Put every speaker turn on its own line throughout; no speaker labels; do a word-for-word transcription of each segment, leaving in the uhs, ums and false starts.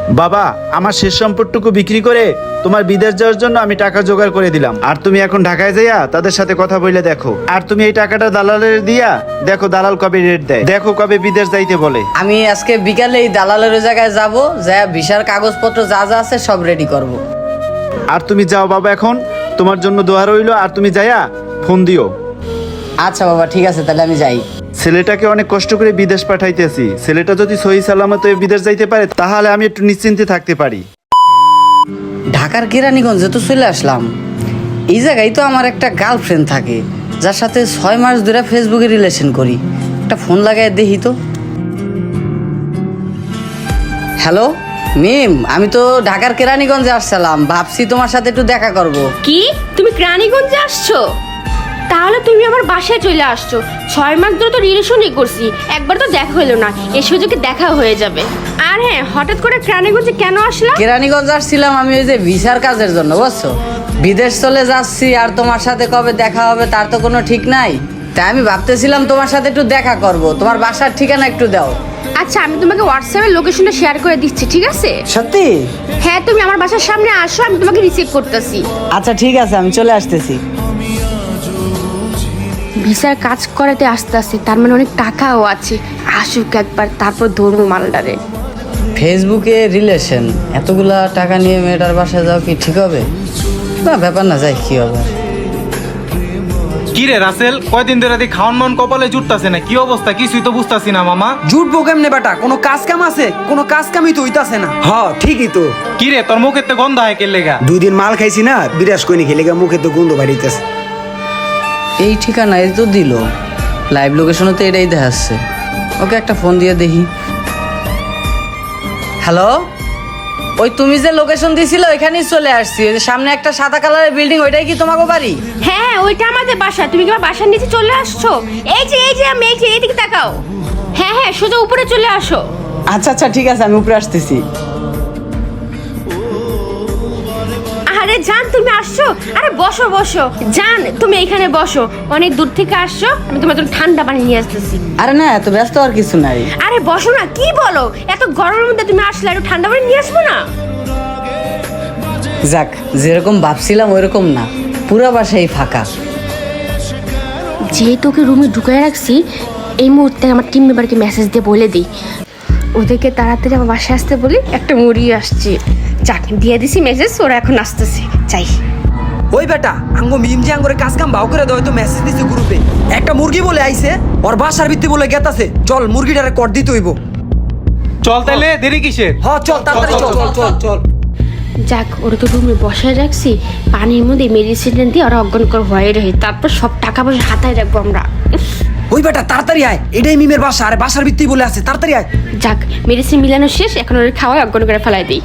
বাবা, আমার শেষ সম্পদটুকু বিক্রি করে তোমার বিদেশ যাওয়ার জন্য আমি টাকা জোগাড় করে দিলাম। আর তুমি এখন ঢাকায় যাইয়া তাদের সাথে কথা বলে দেখো। আর তুমি এই টাকাটা দালালের দিয়া দেখো দালাল কবে রেট দেয়, দেখো কবে বিদেশ যাইতে বলে।
আমি আজকে বিকালে এই দালালের ওই জায়গায় যাব, যা ভিসার কাগজপত্র যা যা আছে সব রেডি করব।
আর তুমি যাও বাবা, এখন তোমার জন্য দোয়া রইলো। আর তুমি যাইয়া ফোন দিও।
আচ্ছা বাবা, ঠিক আছে, তাহলে আমি যাই।
ছেলেটাকে অনেক কষ্ট করে বিদেশ পাঠাইতেছি, ছেলেটা যদি সহি সালামত হয়ে বিদেশ যাইতে পারে তাহলে আমি একটু নিশ্চিন্তে থাকতে পারি।
ঢাকার কেরানীগঞ্জে তো চলে আসলাম। এই জায়গায় তো আমার একটা গার্লফ্রেন্ড থাকে, যার সাথে ছয় মাস ধরে ফেসবুকে রিলেশন করি। একটা ফোন লাগাই দেখি তো। হ্যালো মিম, আমি তো ঢাকার কেরানীগঞ্জে আসছিলাম, ভাবছি তোমার সাথে একটু দেখা করব।
কি তুমি কেরানীগঞ্জে আসছো? তাহলে তুমি আমার বাসায় চলে আসছো। ছয় মাস ধরে তো রিলেশনই করছি, একবার তো দেখা হলো না, এ সুযোগে দেখা হয়ে যাবে। আর হ্যাঁ, হঠাৎ করে কেরানীগঞ্জে কেন আসলাম?
কেরানীগঞ্জ আসছিলাম আমি ওই যে ভিসার কাজের জন্য, বুঝছো। বিদেশ চলে যাচ্ছি, আর তোমার সাথে কবে দেখা হবে তার তো কোনো ঠিক নাই। তাই আমি ভাবতেছিলাম তোমার সাথে একটু দেখা করব। তোমার বাসার ঠিকানা একটু দাও।
আচ্ছা, আমি তোমাকে হোয়াটসঅ্যাপে লোকেশনটা শেয়ার করে দিচ্ছি, ঠিক আছে?
সত্যি?
হ্যাঁ, তুমি আমার বাসার সামনে আসো, আমি তোমাকে রিসিভ করতেছি।
আচ্ছা ঠিক আছে, আমি চলে আসতেছি।
ভিসার কাজ করাতে আসতে আসতে, তার মানে অনেক টাকাও আছে। আসুক একবার, তারপর ধরবো মালটারে।
ফেসবুকে রিলেশন, এতগুলা টাকা নিয়ে মেয়েটার বাসায় যাও কি ঠিক হবে? না, ব্যাপার না, যাই কি হবে।
কি রে রাসেল, কয়দিন ধরে দেখি খাওয়ান মন কপালে জুটতাছে না, কি অবস্থা কিছুই তো বুঝতাছি না মামা।
জুটবো কেমনে বেটা? কোনো কাজ কাম আছে? কোনো কাজ কামই তো হইতাছে না। হ ঠিকই তো।
কি রে তোর মুখের তো গন্ধ হয় কে লেগা?
দুই দিন মাল খাইছি না, বিরাস কইনি খেলে মুখে তো গন্ধ বাড়িতেছে।
এই ঠিকানা এই তো দিল, লাইভ লোকেশনে তো এটাই দেখাচ্ছে। ওকে একটা ফোন দিয়ে দেখি। হ্যালো, ওই তুমি যে লোকেশন দিছিলে ওইখানেই চলে আসছি। ওই যে সামনে একটা সাদা কালারের বিল্ডিং, ওইটাই কি তোমাকে বাড়ি?
হ্যাঁ, ওইটা আমাদের বাসা। তুমি কি আমার বাসার নিচে চলে আসছো? এই যে এই যে আমি এই যে এইদিকে তাকাও। হ্যাঁ হ্যাঁ, সোজা উপরে চলে আসো।
আচ্ছা আচ্ছা ঠিক আছে, আমি উপরে আসতেছি।
আরে জান, তুমি আসছো? আরে বসো বসো জান, তুমি এইখানে বসো। অনেক দূর থেকে আসছো, আমি তোমার জন্য ঠান্ডা পানি নিয়ে আসতেছি।
আরে না, এত ব্যস্ত আর কিছু নাই।
আরে বসো না, কি বলো? এত গরমের মধ্যে তুমি আসলে, একটু ঠান্ডা পানি নিয়ে আসবো না?
যাক, যেরকম ভাবছিলাম ওইরকম না, পুরা বাসাই ফাঁকা।
যেহেতু ওকে রুমে ঢুকায় রাখছি, এই মুহূর্তে আমার টিম মেম্বারকে মেসেজ দিয়ে বলে দিই, ওদেরকে তাড়াতাড়ি আমার বাসায় আসতে বলি, একটা মুড়ি আসছে। যাক, দিয়ে দিছি মেসেজ, ওরা এখন আসতেছে। চাই
ওই বেটা, আঙ্গো মিম যে আঙ্গরে কাজ কাম ভাও করে দেয় তো মেসেজ দিছে গ্রুপে। একটা মুরগি বলে আইছে, ওর বাসার ভিত্তি বলে গেতাছে। চল মুরগিটারে কর দিতে হইব।
চল তাইলে, দেরি কিসের?
হ চল তাড়াতাড়ি চল চল চল চল।
যাক, ওরা তো রুমে বসায় রাখছি, পানির মধ্যে মেডিসিন দিয়ে ওরা অজ্ঞান করে হয়ে রয়ে, তারপর সব টাকা পয়সা হাতায় রাখবো আমরা।
ওই বেটা তাড়াতাড়ি আয়, এটাই মিমের বাসা, আরে বাসার ভিত্তি বলে আছে, তাড়াতাড়ি আয়।
যাক, মেডিসিন মিলানো শেষ, এখন ওরা খাওয়ায় অজ্ঞান করে ফেলাই দিই।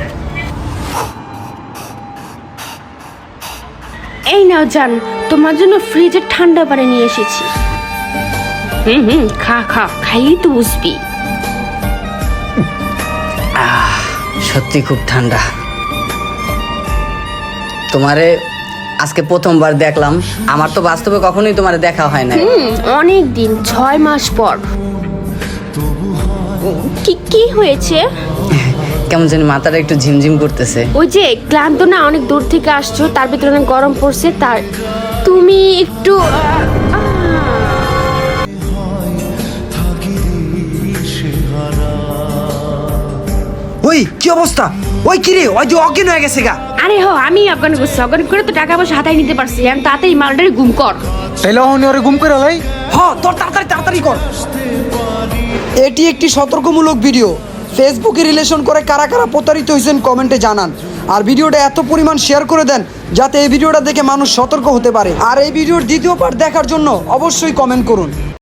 এই নাও জান, তোমার জন্য ফ্রিজের ঠান্ডা পানি নিয়ে এসেছি। হুম হুম, খা খা, খাইলেই তো বুঝবি।
সত্যি খুব ঠান্ডা। তোমারে আজকে প্রথমবার দেখলাম, আমার তো বাস্তবে কখনোই তোমারে দেখা হয় না।
হুম, অনেক দিন, ছয় মাস পর। কি কি হয়েছে?
কেমন জানি মাথাটা একটু ঝিমঝিম করতেছে।
ওই যে ক্লান্ত না, অনেক দূর থেকে আসছো, তার ভিতরে অনেক গরম পড়ছে, তার তুমি একটু
ওই কি অবস্থা? ওই কি রে, ওই যে অজ্ঞান হয়ে গেছে গা।
আরে হো, আমি অজ্ঞান করছি, অজ্ঞান করে তো টাকা পয়সা হাতায় নিতে পারছি। আমি তাড়াতাড়ি মালটারে গুম কর।
তাইলে অহনি ওরে গুম করে লাই।
হ তোর তাড়াতাড়ি তাড়াতাড়ি কর। এটি একটি সতর্কমূলক ভিডিও। ফেসবুকে রিলেশন করে কারা কারা প্রতারিত হয়েছেন কমেন্টে জানান। আর ভিডিওটা এত পরিমাণ শেয়ার করে দেন যাতে এই ভিডিওটা দেখে মানুষ সতর্ক হতে পারে। আর এই ভিডিওর দ্বিতীয় পার্ট দেখার জন্য অবশ্যই কমেন্ট করুন।